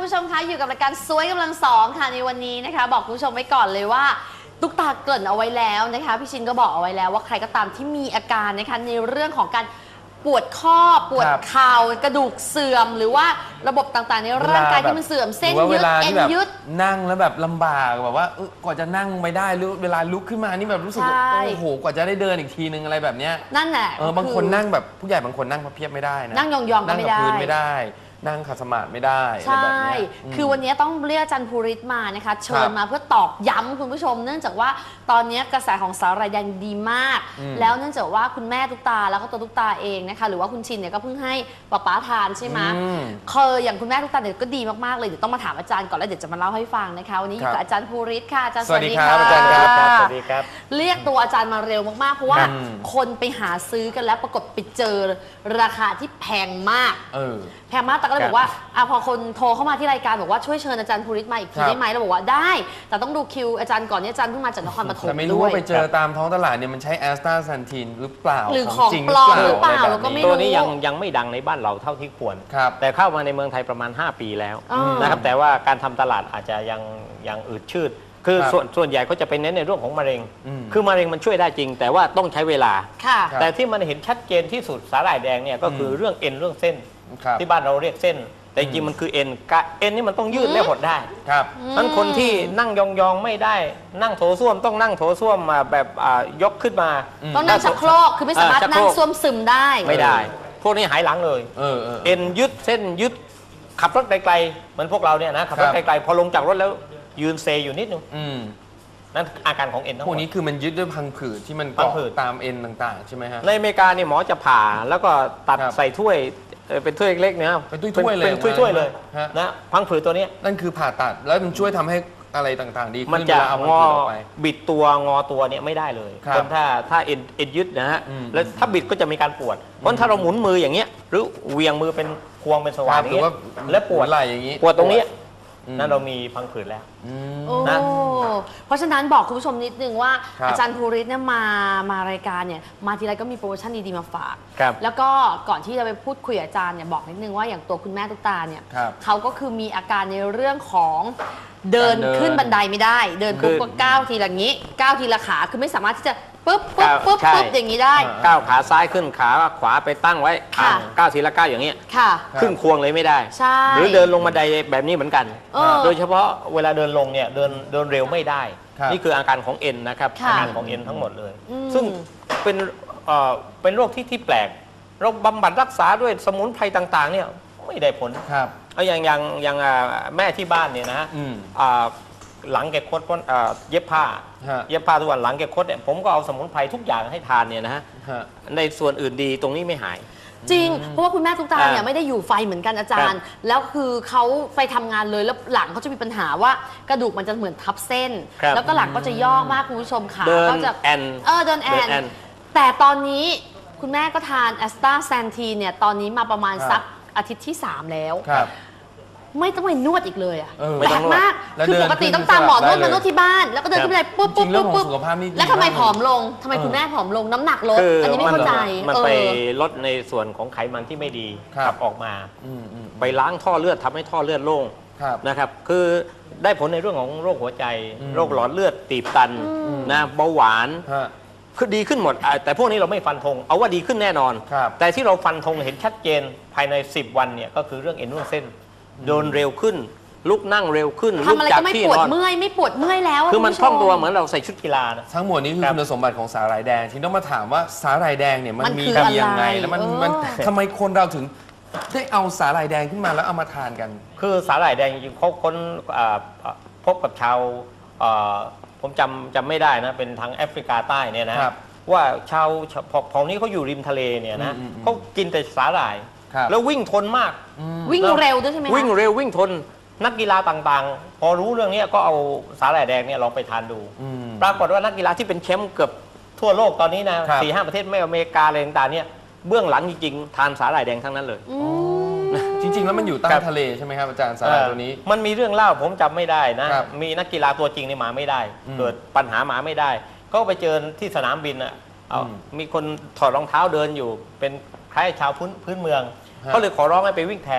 คุณผู้ชมคะอยู่กับรายการสวยกำลังสองค่ะในวันนี้นะคะบอกคุณผู้ชมไว้ก่อนเลยว่าตุ๊กตาเกริ่นเอาไว้แล้วนะคะพี่ชินก็บอกเอาไว้แล้วว่าใครก็ตามที่มีอาการนะคะในเรื่องของการปวดข้อปวดเข่ากระดูกเสื่อมหรือว่าระบบต่างๆในร่างกายที่มันเสื่อมเส้นยืดเอ็นยืดนั่งแล้วแบบลำบากแบบว่ากว่าจะนั่งไม่ได้หรือเวลาลุกขึ้นมานี่แบบรู้สึกโอ้โหกว่าจะได้เดินอีกทีนึงอะไรแบบเนี้ยนั่นแหละบางคนนั่งแบบผู้ใหญ่บางคนนั่งพับเพียบไม่ได้นะนั่งยองๆก็ไม่ได้นั่งกับพื้นไม่ได้นั่งขัดสมาธิไม่ได้ใช่คือวันนี้ต้องเรียกอาจารย์ภูริศมานะคะเชิญมาเพื่อตอกย้ำคุณผู้ชมเนื่องจากว่าตอนนี้กระแสของสาหร่ายแดงดีมากแล้วเนื่องจากว่าคุณแม่ตุ๊กตาแล้วก็ตัวตุ๊กตาเองนะคะหรือว่าคุณชินเนี่ยก็เพิ่งให้ป๊าทานใช่ไหมอย่างคุณแม่ตุ๊กตาเนี่ยก็ดีมากๆเลยเดี๋ยวต้องมาถามอาจารย์ก่อนแล้วเดี๋ยวจะมาเล่าให้ฟังนะคะวันนี้อยู่กับอาจารย์ภูริศค่ะอาจารย์สวัสดีค่ะอาจารย์ครับสวัสดีครับเรียกตัวอาจารย์มาเร็วมากๆเพราะว่าคนไปหาซื้อกันแล้วปรากฏไปเจอราคาที่แพงมากแพงมากแต่ก็เลยบอกว่าพอคนโทรเข้ามาที่รายการบอกว่าช่วยเชิญอาจารย์ภูริศมาอีกทีได้ไหมเราบอกว่าได้แต่ต้องดูคิวอาจารย์ก่อนนี่อาจารย์เพิ่งมาจากนครปฐมแต่ไม่รู้ว่าไปเจอตามท้องตลาดเนี่ยมันใช้แอสตาแซนทินหรือเปล่าหรือของปลอมหรือเปล่าเราก็ไม่รู้ตัวนี้ยังไม่ดังในบ้านเราเท่าที่ควรแต่เข้ามาในเมืองไทยประมาณ5 ปีแล้วนะครับแต่ว่าการทำตลาดอาจจะยังอืดชืดคือส่วนใหญ่ก็จะเป็นเน้นในเรื่องของมะเร็งคือมะเร็งมันช่วยได้จริงแต่ว่าต้องใช้เวลาแต่ที่มันเห็นชัดเจนที่สุดสาหร่ายแดงเนี่ยก็คือเรื่องเอ็นเรื่องเส้นที่บ้านเราเรียกเส้นแต่จริงมันคือเอ็นนี่มันต้องยืดและหดได้นั้นคนที่นั่งยองๆไม่ได้นั่งโถส้วมต้องนั่งโถส้วมมาแบบยกขึ้นมาต้องนั่งชักโครกคือไม่สามารถนั่งส้วมซึมได้ไม่ได้พวกนี้หายหลังเลยเอ็นยึดเส้นยึดขับรถไกลๆเหมือนพวกเราเนี่ยนะขับรถไกลๆพอลงจากรถแล้วยืนเซอยู่นิดนึงนั่นอาการของเอ็นทั้งหมดพวกนี้คือมันยึดด้วยพังผืดที่มันเกาะตามเอ็นต่างๆใช่ไหมฮะในอเมริกาเนี่ยหมอจะผ่าแล้วก็ตัดใส่ถ้วยเป็นถ้วยเล็กๆเนี่ยเป็นถ้วยเลยเป็นถ้วยเลยนะพังผืดตัวนี้นั่นคือผ่าตัดแล้วมันช่วยทำให้อะไรต่างๆดีมันจะงอบิดตัวงอตัวเนี่ยไม่ได้เลยคนถ้าเอ็นยึดนะฮะแล้วถ้าบิดก็จะมีการปวดเพราะถ้าเราหมุนมืออย่างเงี้ยหรือเวียงมือเป็นควงเป็นสว่านอย่างเงี้ยแล้วปวดไหล่อย่างงี้ปวดตรงนี้นั่นเรามีพังผืดแล้วนะเพราะฉะนั้นบอกคุณผู้ชมนิดนึงว่าอาจารย์ภูริศเนี่ยมารายการเนี่ยมาทีไรก็มีโปรโมชั่นดีๆมาฝากแล้วก็ก่อนที่จะไปพูดคุยอาจารย์เนี่ยบอกนิดนึงว่าอย่างตัวคุณแม่ตุ๊กตาเนี่ยเขาก็คือมีอาการในเรื่องของเดินขึ้นบันไดไม่ได้เดินปุ๊บก็ก้าวทีละงี้ก้าวทีละขาคือไม่สามารถที่จะปุ๊บอย่างนี้ได้ก้าวขาซ้ายขึ้นขาขวาไปตั้งไว้ก้าวทีละก้าวอย่างเงี้ยขึ้นควงเลยไม่ได้หรือเดินลงบันไดแบบนี้เหมือนกันโดยเฉพาะเวลาเดินลงเนี่ยเดินเร็วไม่ได้นี่คืออาการของเอ็นนะครับอาการของเอ็นทั้งหมดเลยซึ่งเป็นโรคที่แปลกเราบำบัดรักษาด้วยสมุนไพรต่างๆเนี่ยไม่ได้ผลอย่างแม่ที่บ้านเนี่ยนะหลังแกคดเพราะเย็บผ้าทุกวันหลังแกคดเนี่ยผมก็เอาสมุนไพรทุกอย่างให้ทานเนี่ยนะฮะในส่วนอื่นดีตรงนี้ไม่หายจริงเพราะว่าคุณแม่ตุ๊กตาเนี่ยไม่ได้อยู่ไฟเหมือนกันอาจารย์แล้วคือเขาไปทำงานเลยแล้วหลังเขาจะมีปัญหาว่ากระดูกมันจะเหมือนทับเส้นแล้วก็หลังก็จะย่อมากคุณผู้ชมค่ะก็จะเดินแอนแต่ตอนนี้คุณแม่ก็ทานแอสตาแซนทีนเนี่ยตอนนี้มาประมาณสักอาทิตย์ที่3แล้วไม่ต้องไปนวดอีกเลยแปลกมากคือปกติต้องตามหมอนวดมานวดที่บ้านแล้วก็เดินขึ้นไปปุ๊บแล้วทำไมผอมลงทำไมคุณแม่ผอมลงน้ำหนักลดอันนี้ไม่เข้าใจมันไปลดในส่วนของไขมันที่ไม่ดีขับออกมาไปล้างท่อเลือดทำให้ท่อเลือดโล่งนะครับคือได้ผลในเรื่องของโรคหัวใจโรคหลอดเลือดตีบตันนะเบาหวานคือดีขึ้นหมดแต่พวกนี้เราไม่ฟันธงเอาว่าดีขึ้นแน่นอนแต่ที่เราฟันธงเห็นชัดเจนภายใน10 วันเนี่ยก็คือเรื่องเอ็นนวดเส้นเดินเร็วขึ้นลุกนั่งเร็วขึ้นทำอะไรก็ไม่ปวดเมื่อยไม่ปวดเมื่อยแล้วคือมันคล่องตัวเหมือนเราใส่ชุดกีฬานะทั้งหมดนี้คือคุณสมบัติของสาหร่ายแดงที่ต้องมาถามว่าสาหร่ายแดงเนี่ยมันมีดียังไงแล้วมันทำไมคนเราถึงได้เอาสาหร่ายแดงขึ้นมาแล้วเอามาทานกันคือสาหร่ายแดงจริงๆเขาค้นพบกับชาวผมจำไม่ได้นะเป็นทางแอฟริกาใต้เนี่ยนะว่าชาวเผ่านี้เขาอยู่ริมทะเลเนี่ยนะเขากินแต่สาหร่ายแล้ววิ่งทนมากวิ่งเร็วด้วยใช่ไหมวิ่งเร็ววิ่งทนนักกีฬาต่างๆพอรู้เรื่องนี้ก็เอาสาหร่ายแดงเนี่ยลองไปทานดูปรากฏว่านักกีฬาที่เป็นแชมป์เกือบทั่วโลกตอนนี้นะ4-5 ประเทศไม่อเมริกาอะไรต่างๆเนี่ยเบื้องหลังจริงๆทานสาหร่ายแดงทั้งนั้นเลยจริงๆแล้วมันอยู่ใต้ทะเลใช่ไหมครับอาจารย์สาหร่ายตัวนี้มันมีเรื่องเล่าผมจำไม่ได้นะมีนักกีฬาตัวจริงในมาไม่ได้เกิดปัญหามาไม่ได้ก็ไปเจอที่สนามบินมีคนถอดรองเท้าเดินอยู่เป็นคล้ายชาวพื้นเมืองก็เลยขอร้องให้ไปวิ่งแทน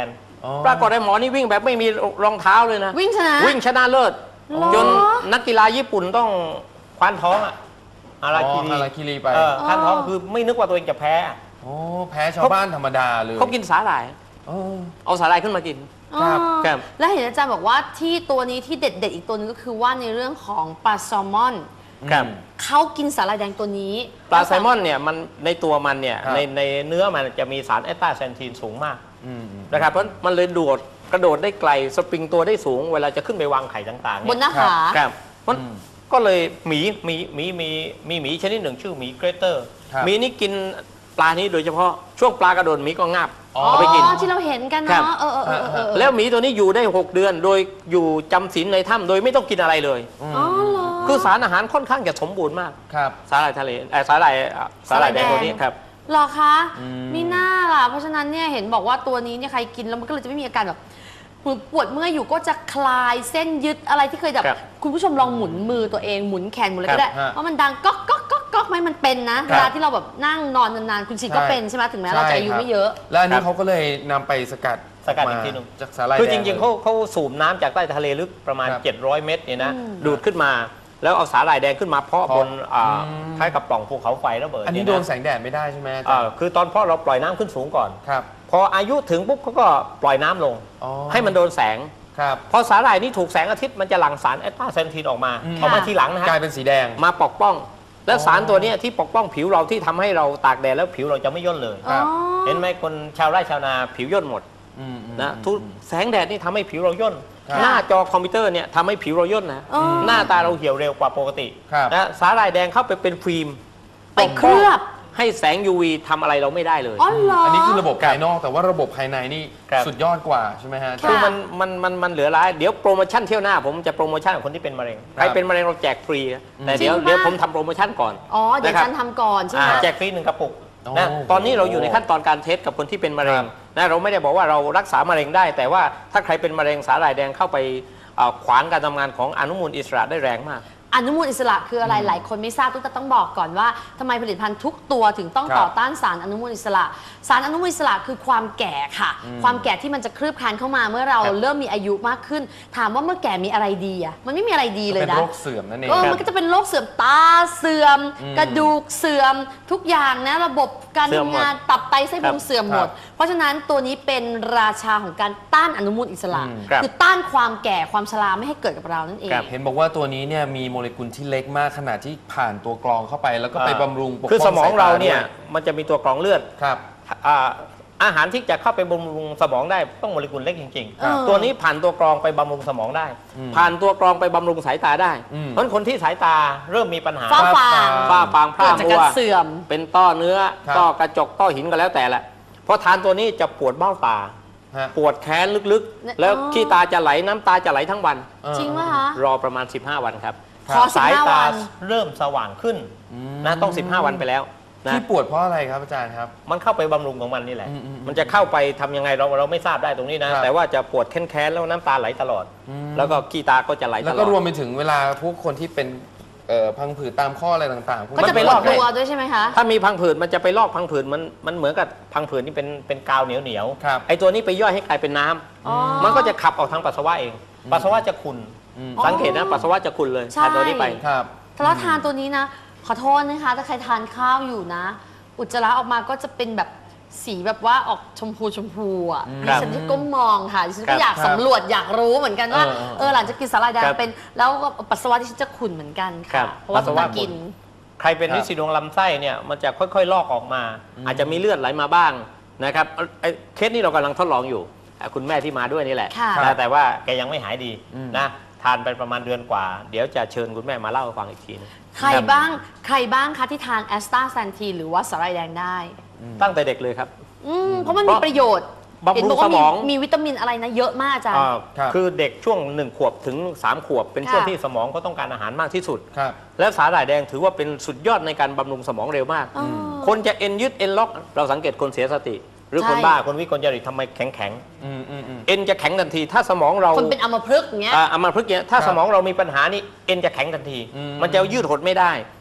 ปรากฏไอ้หมอนี่วิ่งแบบไม่มีรองเท้าเลยนะวิ่งชนะวิ่งชนะเลิศจนนักกีฬาญี่ปุ่นต้องคว้านท้องอะฮาราคิรีไปคว้านท้องคือไม่นึกว่าตัวเองจะแพ้โอ้แพ้ชาวบ้านธรรมดาเลยเขากินสาหร่ายเอาสาหร่ายขึ้นมากินครับแล้วเห็นอาจารย์บอกว่าที่ตัวนี้ที่เด็ดๆอีกตัวนึงก็คือว่าในเรื่องของปลาแซลมอนเขากินสาหร่ายแดงตัวนี้ปลาแซลมอนเนี่ยมันในตัวมันเนี่ยในเนื้อมันจะมีสารแอสตาแซนทีนสูงมากนะครับเพราะมันเลยกระโดดได้ไกลสปริงตัวได้สูงเวลาจะขึ้นไปวางไข่ต่างๆบนหน้าขาครับมันก็เลยหมีชนิดหนึ่งชื่อหมีเกรเตอร์หมีนี่กินปลานี้โดยเฉพาะช่วงปลากระโดดหมีก็งับเอาไปกินที่เราเห็นกันเนาะแล้วหมีตัวนี้อยู่ได้6 เดือนโดยอยู่จำศีลในถ้ำโดยไม่ต้องกินอะไรเลยคือสารอาหารค่อนข้างจะสมบูรณ์มากสาหร่ายทะเลสาหร่ายแดงตัวนี้ครับหรอคะมีหน้าล่ะเพราะฉะนั้นเนี่ยเห็นบอกว่าตัวนี้เนี่ยใครกินแล้วมันก็เลยจะไม่มีอาการแบบปวดเมื่อยอยู่ก็จะคลายเส้นยึดอะไรที่เคยแบบคุณผู้ชมลองหมุนมือตัวเองหมุนแขนหมุนอะไรก็ได้เพราะมันดังก๊อกก๊อกก๊อกก๊อกไหมมันเป็นนะเวลาที่เราแบบนั่งนอนนานๆคุณชิก็เป็นใช่ไหมถึงแม้เราจะอายุไม่เยอะแล้วอันนี้เขาก็เลยนำไปสกัดอีกทีนึงจากสาหร่ายคือจริงๆเขาสูบน้ำจากใต้ทะเลลึกประมาณ700 เมตรเนี่ยนะดูดขึ้นมาแล้วเอาสาหร่ายแดงขึ้นมาเพาะบนคล้ายกับปล่องภูเขาไฟระเบิดอันนี้โดนแสงแดดไม่ได้ใช่ไหมคือตอนเพาะเราปล่อยน้ำขึ้นสูงก่อนพออายุถึงปุ๊บเขาก็ปล่อยน้ำลงให้มันโดนแสงพอสาหร่ายนี่ถูกแสงอาทิตย์มันจะหลั่งสารแอสตาแซนทีนออกมาทีหลังนะฮะกลายเป็นสีแดงมาปกป้องและสารตัวนี้ที่ปกป้องผิวเราที่ทำให้เราตากแดดแล้วผิวเราจะไม่ย่นเลยเห็นไหมคนชาวไร่ชาวนาผิวย่นหมดนะทุกแสงแดดนี่ทำให้ผิวเราย่นหน้าจอคอมพิวเตอร์เนี่ยทำให้ผิวเราย่นนะหน้าตาเราเหี่ยวเร็วกว่าปกตินะสาหร่ายแดงเข้าไปเป็นฟิล์มไปเคลือบให้แสง UV ทำอะไรเราไม่ได้เลยอันนี้คือระบบภายนอกแต่ว่าระบบภายในนี่สุดยอดกว่าใช่ไหมฮะคือมันเหลือร้ายเดี๋ยวโปรโมชั่นเที่ยวหน้าผมจะโปรโมชั่นของคนที่เป็นมะเร็งใครเป็นมะเร็งเราแจกฟรีแต่เดี๋ยวผมทำโปรโมชั่นก่อนเดี๋ยวฉันทำก่อนใช่ไหมแจกฟรี1 กระปุกนะตอนนี้เราอยู่ในขั้นตอนการเทสกับคนที่เป็นมะเร็งนะเราไม่ได้บอกว่าเรารักษามะเร็งได้แต่ว่าถ้าใครเป็นมะเร็งสาหร่ายแดงเข้าไปขวางการทำงานของอนุมูลอิสระได้แรงมากอนุมูลอิสระคืออะไรหลายคนไม่ทราบต้องบอกก่อนว่าทำไมผลิตภัณฑ์ทุกตัวถึงต้องต่อต้านสารอนุมูลอิสระสารอนุมูลอิสระคือความแก่ค่ะความแก่ที่มันจะคลืบคลานเข้ามาเมื่อเราเริ่มมีอายุมากขึ้นถามว่าเมื่อแก่มีอะไรดีอ่ะมันไม่มีอะไรดีเลยนะเป็นโรคเสื่อมนั่นเองมันก็จะเป็นโรคเสื่อมตาเสื่อมกระดูกเสื่อมทุกอย่างนะระบบการทำงานตับไตไส้พุงเสื่อมหมดเพราะฉะนั้นตัวนี้เป็นราชาของการต้านอนุมูลอิสระคือต้านความแก่ความชราไม่ให้เกิดกับเรานั่นเองเห็นบอกว่าตัวนี้เนี่ยมีโมเลกุลที่เล็กมากขนาดที่ผ่านตัวกรองเข้าไปแล้วก็ไปบำรุงปกป้องคือสมองเราเนี่ยมันจะมีตัวกรองเลือดครับอาหารที่จะเข้าไปบำรุงสมองได้ต้องโมเลกุลเล็กจริงๆตัวนี้ผ่านตัวกรองไปบำรุงสมองได้ผ่านตัวกรองไปบำรุงสายตาได้เพราะคนที่สายตาเริ่มมีปัญหาฝ้าฟางพร่ามัวเสื่อมเป็นต้อเนื้อต้อกระจกต้อหินก็แล้วแต่แหละพอทานตัวนี้จะปวดเบ้าตาปวดแขนลึกๆแล้วขี้ตาจะไหลน้ำตาจะไหลทั้งวันจริงไหมคะรอประมาณ15 วันครับพอสายตาเริ่มสว่างขึ้นนะต้อง15 วันไปแล้วที่ปวดเพราะอะไรครับอาจารย์ครับมันเข้าไปบำรุงของมันนี่แหละมันจะเข้าไปทำยังไงเราไม่ทราบได้ตรงนี้นะแต่ว่าจะปวดแค้นแล้วน้ำตาไหลตลอดแล้วก็ขี้ตาก็จะไหลตลอดแล้วก็รวมไปถึงเวลาพวกคนที่เป็นพังผืดตามข้ออะไรต่างๆก็จะไปลอกตัวด้วยใช่ไหมคะถ้ามีพังผืดมันจะไปลอกพังผืดมันเหมือนกับพังผืดนี่เป็นกาวเหนียวไอ้ตัวนี้ไปย่อยให้กลายเป็นน้ำมันก็จะขับออกทางปัสสาวะเองปัสสาวะจะขุ่นสังเกตนะปัสสาวะจะขุ่นเลยทานตัวนี้ไปถ้าเราทานตัวนี้นะขอโทษนะคะถ้าใครทานข้าวอยู่นะอุจจาระออกมาก็จะเป็นแบบสีแบบว่าออกชมพูอ่ะดิฉันที่ก้มมองค่ะดิฉันก็อยากสำรวจอยากรู้เหมือนกันว่าหลังจากกินสาหร่ายแดงเป็นแล้วก็ปัสสาวะที่ฉันจะขุ่นเหมือนกันค่ะเพราะว่าต้องกินใครเป็นฤทธิ์สีดวงลำไส้เนี่ยมันจะค่อยๆลอกออกมาอาจจะมีเลือดไหลมาบ้างนะครับเคสนี้เรากำลังทดลองอยู่คุณแม่ที่มาด้วยนี่แหละแต่ว่าแกยังไม่หายดีนะทานไปประมาณเดือนกว่าเดี๋ยวจะเชิญคุณแม่มาเล่าให้ฟังอีกทีนึงใครบ้างคะที่ทานแอสตาแซนทีนหรือว่าสาหร่ายแดงได้ตั้งแต่เด็กเลยครับเพราะมันมีประโยชน์บำรุงสมองมีวิตามินอะไรนะเยอะมากอาจารย์คือเด็กช่วง1 ขวบถึง3 ขวบเป็นช่วงที่สมองเขาต้องการอาหารมากที่สุดและสาหร่ายแดงถือว่าเป็นสุดยอดในการบำรุงสมองเร็วมากคนจะเอ็นยึดเอ็นล็อกเราสังเกตคนเสียสติหรือคนบ้าคนวิกลจริตทำไมแข็งเอ็นจะแข็งทันทีถ้าสมองเราคนเป็นอัมพฤกษ์เงี้ยอัมพฤกษ์เงี้ยถ้าสมองเรามีปัญหานี่เอ็นจะแข็งทันทีมันจะยืดหดไม่ได้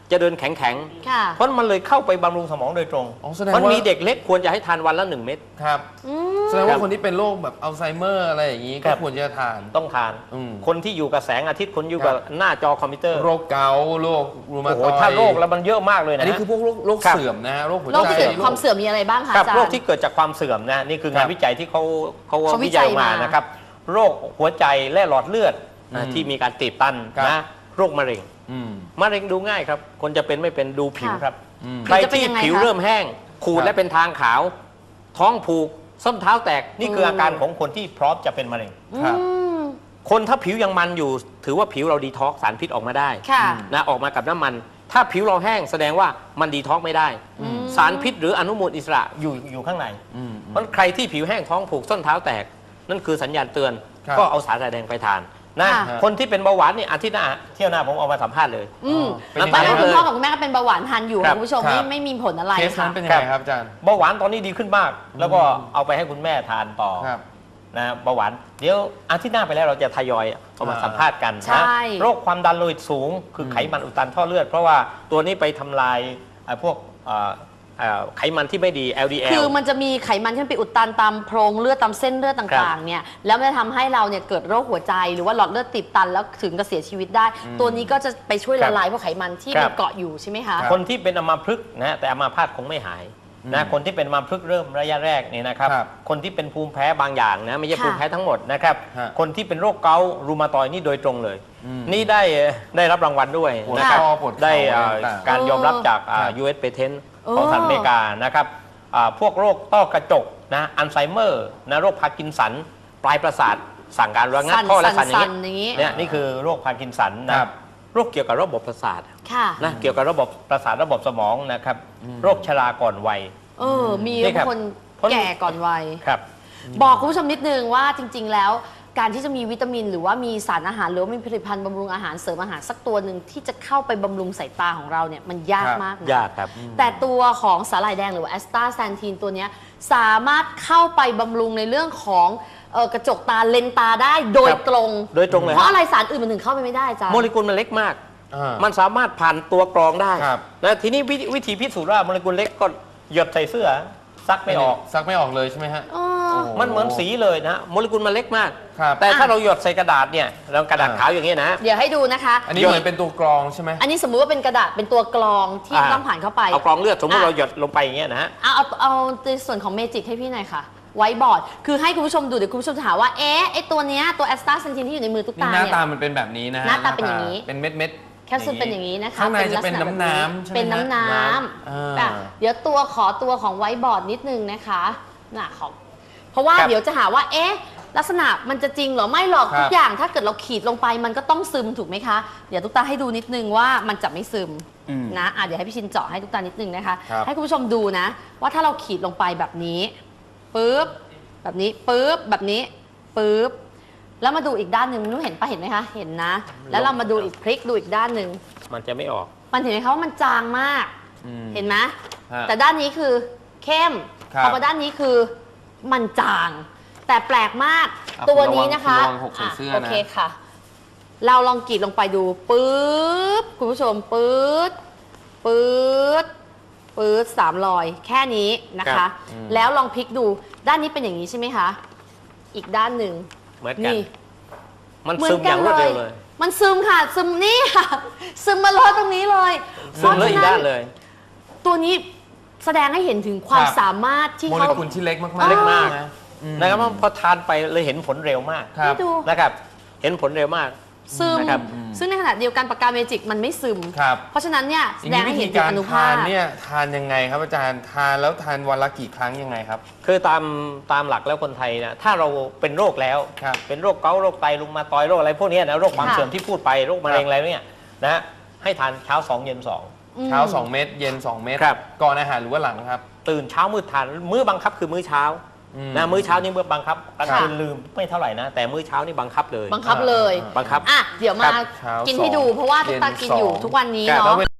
จะเดินแข็งค่ะเพราะมันเลยเข้าไปบำรุงสมองโดยตรงอ๋อแสดงว่ามันมีเด็กเล็กควรจะให้ทานวันละ1 เม็ดครับอืมแสดงว่าคนที่เป็นโรคแบบอัลไซเมอร์อะไรอย่างนี้ครัก็บควรจะทานต้องทานอืมคนที่อยู่กับแสงอาทิตย์คนอยู่กับครับหน้าจอคอมพิวเตอร์โรคเกาต์โรครูมาโอ้โหตอยด์ถ้าโรคแล้วมันเยอะมากเลยนะอันนี้คือพวกโรคครับเสื่อมนะฮะโรคหัวโรคใจที่เกิดจากความเสื่อมมีอะไรบ้างคะครับอาจารย์โรคที่เกิดจากความเสื่อมนะนี่คืองานวิจัยที่เขาเขาวิวิจัจัยยออกมามานะครับโรคหัวใจและหลอดเลือดนะที่มีการตีบตันครับนะโรคมะเร็งอืมมะเร็งดูง่ายครับ คนจะเป็นไม่เป็นดูผิวค่ะครับอืมใครจะเป็นที่ยังไงผิวคะเริ่มแห้ง ขูดครับและเป็นทางขาว ท้องผูกส้นเท้าแตกนี่คืออาการของคนที่พร้อมจะเป็นมะเร็งครับอืมคนถ้าผิวยังมันอยู่ ถือว่าผิวเราดีท็อกซ์สารพิษออกมาได้ค่ะนะออกมากับน้ำมัน ถ้าผิวเราแห้งแสดงว่ามันดีท็อกซ์ไม่ได้อืมสารพิษหรืออนุมูลอิสระอยู่ข้างในอืมเพราะใครที่ผิวแห้งท้องผูกส้นเท้าแตก นั่นคือสัญญาณเตือนครับก็เอาสาหร่ายแดงไปทานนะค่ะคนที่เป็นเบาหวานเนี่ยอาทิตย์หน้าเที่ยวหน้าผมเอามาสัมภาษณ์เลยอืมเป็นตอนแรกยังไงคุณพ่อกับคุณแม่ก็เป็นเบาหวานทานอยู่ครับคุณผู้ชมครับไม่มีผลอะไรเคสนั้ค่ะนเป็นยังไงครับอาจารย์เบาหวานตอนนี้ดีขึ้นมาก แล้วก็เอาไปให้คุณแม่ทานต่อครับนะเบาหวานเดี๋ยวอาทิตย์หน้าไปแล้วเราจะทยอยเอามาสัมภาษณ์กันใช่นะโรคความดันโลหิตสูง คือไขมันอุดตันท่อเลือด เพราะว่าตัวนี้ไปทำลายพวกไขมันที่ไม่ดี LDL คือมันจะมีไขมันที่มันไปอุดตันตามโพรงเลือดตามเส้นเลือดต่างๆเนี่ยแล้วมันจะทำให้เราเนี่ยเกิดโรคหัวใจหรือว่าหลอดเลือดตีบตันแล้วถึงกับเสียชีวิตได้ ตัวนี้ก็จะไปช่วยละลายพวกไขมันที่ครัมันบเกาะอยู่ใช่ไหมคะครับคนที่เป็นอัมพฤกษ์นะแต่อัมพาตคงไม่หายนะคนที่เป็นอัมพฤกษ์เริ่มระยะแรกเนี่ยนะครับครับคนที่เป็นภูมิแพ้บางอย่างนะไม่ใช่ค่ะภูมิแพ้ทั้งหมดนะครับฮะคนที่เป็นโรคเกาต์รูมาตอยด์นี่โดยตรงเลยอืมนี่ได้รับรางวัลด้วยปวดนะครับคอปวดเข่าได้อะไรต่างๆการยอมรับจากครับ US Patent โอ้ของสหรัฐอเมริกานะครับพวกโรคต้อกระจกนะอัลไซเมอร์นะโรคพาร์กินสันปลายประสาทสั่งการระงับข้อและสั่นอย่างอย่างนี้เงี้ยเนี่ยนี่คือโรคพาร์กินสันนะครับ โรคเกี่ยวกับระบบประสาทค่ะนะเกี่ยวกับระบบประสาทระบบสมองนะครับโรคชราก่อนวัยมีนี่ครับคนเพราะแก่ก่อนวัยครับบอกคุณผู้ชมนิดนึงว่าจริง ๆ แล้ว การที่จะมีวิตามิน หรือว่ามีสารอาหารหรือว่ามีผลิตภัณฑ์บำรุงอาหารเสริมอาหารสักตัวหนึ่งที่จะเข้าไปบำรุงสายตาของเราเนี่ยมันยากครับมากนะยากครับแต่ตัวของสาหร่ายแดงหรือว่าแอสตาแซนทีนตัวเนี้ยสามารถเข้าไปบำรุงในเรื่องของกระจกตาเลนส์ตาได้โดยครับตรงโดยตรงเลยเพราะอะไรสารอื่นมันถึงเข้าไปไม่ได้จ้ะโมเลกุลมันเล็กมากอ่ามันสามารถผ่านตัวกรองได้ครับนะทีนี้วิธีพิสูจน์ว่าโมเลกุลเล็กก็หยดใส่เสื้อซักไม่ออกซักไม่ออกเลยใช่ไหมฮะอ๋อโอ้มันเหมือนสีเลยนะโมเลกุลมันเล็กมากครับแต่ถ้าเราหยดใส่กระดาษเนี่ยเรากระดาษขาวอย่างนี้ยนะเดี๋ยวให้ดูนะคะอันนี้เหมือนเป็นตัวกรองใช่ไหมอันนี้สมมุติว่าเป็นกระดาษเป็นตัวกรองที่อ่าต้องผ่านเข้าไปเอากรองเลือดสมมติอ่ะเราหยดลงไปอย่างเงี้ยนะฮะเอาในส่วนของเมจิกให้พี่หน่อยค่ะ ไว้บอร์ด คือให้คุณผู้ชมดูเดี๋ยวคุณผู้ชมจะถามว่า ไอตัวเนี้ยตัวแอสตาเซนทินที่อยู่ในมือตุ๊กนี่ตาหน้าเนี่ยตามันเป็นแบบนี้นะฮะหน้าตาเป็นอย่างนี้เป็นเม็ดเม็ดแคปซูลเป็นอย่างนี้นะคะข้างในจะเป็นลักษณน้ำๆใช่ไหมเป็นน้ำน้อ่าำอ่ะเดี๋ยวขอตัวของไว้บอร์ดนิดนึงนะคะน่ะของเพราะว่าครับเดี๋ยวจะหาว่าลักษณะมันจะจริงเหรอไม่หรอกครับทุกอย่างถ้าเกิดเราขีดลงไปมันก็ต้องซึมถูกไหมคะเดี๋ยวตุ๊กตาให้ดูนิดนึงว่ามันจะไม่ซึมอืมนะเดี๋ยวให้พี่ชินเจาะให้ตุ๊กตานิดนึงนะคะครับให้คุณผู้ชมดูนะ ว่าถ้าเราขีดลงไปแบบนี้ปึ๊บแบบนี้ปึ๊บแบบนี้ปึ๊บแล้วมาดูอีกด้านหนึ่งนุ้เห็นปะเห็นไหมคะเห็นนะ แล้วเรามาดูอีกพลิกดูอีกด้านหนึ่งมันจะไม่ออกมันเห็นไหมคะว่ามันจางมากอืมเห็นไหมฮะแต่ด้านนี้คือเข้มครับพอมาด้านนี้คือมันจาง แต่แปลกมากอ่ะตัวนี้นะคะระวังหกใส่เสื้อนะโอเคค่ะ เราลองกรีดลงไปดูปึ๊บคุณผู้ชมปึ๊ดปึ๊ดปึ๊ด3 รอยแค่นี้นะครัคะบแล้วลองพลิกดูด้านนี้เป็นอย่างนี้ใช่ไหมคะ อีกด้านหนึ่งเหมือนกันนี่มันเหมือซึนมอกัย่างรวดเร็วเลยมันซึมค่ะ ซึมนี่ค่ะ ซึมมาเลยตรงนี้เลยซึมเลยอีกด้านเลยตัวนี้แสดงให้เห็นถึงความครับสามารถที่โมเลเขากุลที่เล็กมากอ๋อๆเล็กมากนะอืมนะครับพอทานไปเลยเห็นผลเร็วมากครับให้ดูนะครับ เห็นผลเร็วมากซึมนะครับซึ่งในขณะเดียวกันปากกาเมจิกมันไม่ซึมครับเพราะฉะนั้นเนี่ยแสอย่างดงนี้ให้วิเห็ธีนถึงการอนุทาภาพนเนี่ยทานยังไงครับอาจารย์ทานแล้วทานวันละกี่ครั้งยังไงครับคือตามหลักแล้วคนไทยนะถ้าเราเป็นโรคแล้วครับเป็นโรคเกาต์โรคไตรุมาตอยด์โรคอะไรพวกเนี้ยนะโรคความค่ะเสื่อมที่พูดไปโรคมะเร็งอะไรเนี่ยนะให้ทานเช้า 2 เย็นเช้า 2 เม็ดเย็น 2 เม็ดครับก่อนอาหารหรือว่าหลังครับ 2 ตื่นเช้ามืดทานมื้อบังคับคือมื้อเช้าอืมนะมื้อเช้านี่มื้อบังคับกลางค่ะคืนลืมไม่เท่าไหร่นะ แต่มื้อเช้านี่บังคับเลยบังคับเลยบังคับอ่ะเดี๋ยวมาเช้ากินให้ดูสองเพราะว่าตุ๊กตาเย็นกินอยู่สองทุกวันนี้ครับเนาะ